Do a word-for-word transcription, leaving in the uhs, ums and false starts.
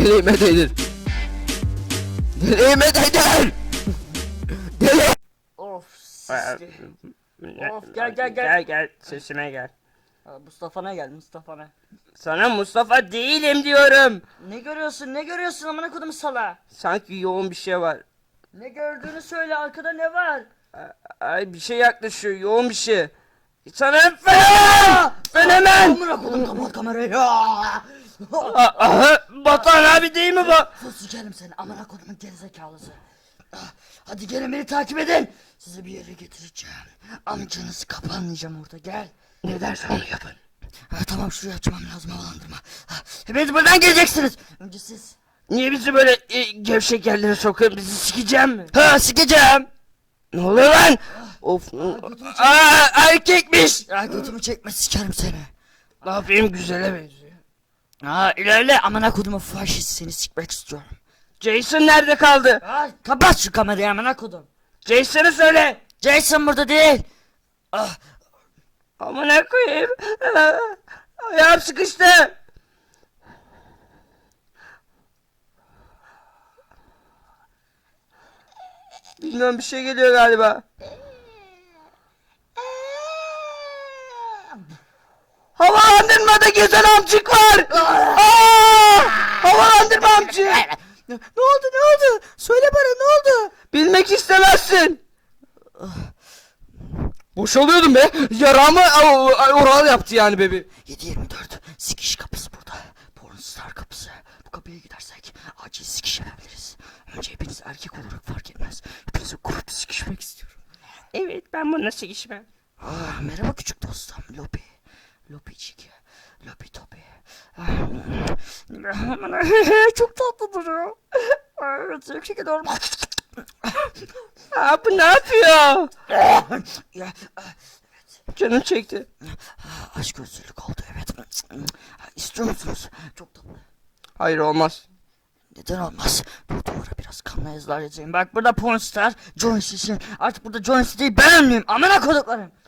Deliğime değdir. Deliğime değdir. Deli. Of sisli. Of gel gel gel. Gel gel sesime gel. Aa, Mustafa'na gel Mustafa'na. Sana Mustafa değilim diyorum. Ne görüyorsun ne görüyorsun amına kodum sala. Sanki yoğun bir şey var. Ne gördüğünü söyle, arkada ne var? Ay bir şey yaklaşıyor, yoğun bir şey. Sana fena! Ben hemen! Amına kodum kapat kamerayı. Aha, Batuhan abi değil mi bu? Sus sikerim seni amına kodumun gerizekalısı. Ah, hadi gelin beni takip edin. Sizi bir yere getireceğim. Amcanızı kapanmayacağım orada, gel. Ne dersen onu yapın. Ha, tamam şurayı açmam lazım, havalandırma. Ha, hepiniz buradan geleceksiniz. Önce siz. Niye bizi böyle e, gevşek yerlere sokuyorsun? Bizi sikeceğim mi? Ha sikeceğim. Ne oluyor lan? Of. Aa, erkekmiş. Ya götümü çekme sikerim seni. Ne yapayım, güzele benziyor. Ha ilerle amına kodumun faşist, seni sikmek istiyorum. Jason nerede kaldı? Ha kapat şu kamerayı amına kodum. Jason'ı söyle. Jason burada değil. Ah, Amına koyayım. Aa, ayağım sıkıştı. Bilmiyorum, bir şey geliyor galiba. Havalandırmada gezen amcık var. Aa! Havalandırma amcık. ne, ne oldu ne oldu? Söyle bana ne oldu? Bilmek istemezsin. Boşalıyordum be. Yaramı oral yaptı yani bebi. yedi yirmi dört sikiş kapısı burada. Pornstar kapısı. Bu kapıya gidersek acil sikiş yapabiliriz. Önce hepiniz erkek olarak fark etmez. Hepinizi grup sikişmek istiyorum. Evet, ben bununla sikişmem. Ah, merhaba küçük dostum. Lopi. Lopicik. Lopi topi. Ah, çok tatlı duruyor. Evet, yüksek ediyorum. Aa, bu ne yapıyor? Ya, ah, Canım çekti. ah, aşk özürlük oldu evet. İstiyor musunuz? Çok tatlı. Hayır, olmaz. Neden olmaz? Bu duvara biraz kanla yazılar yazayım. Bak burada pornstar, Jones için. Artık burada Jones değil ben ünlüyüm. Amına koduklarım.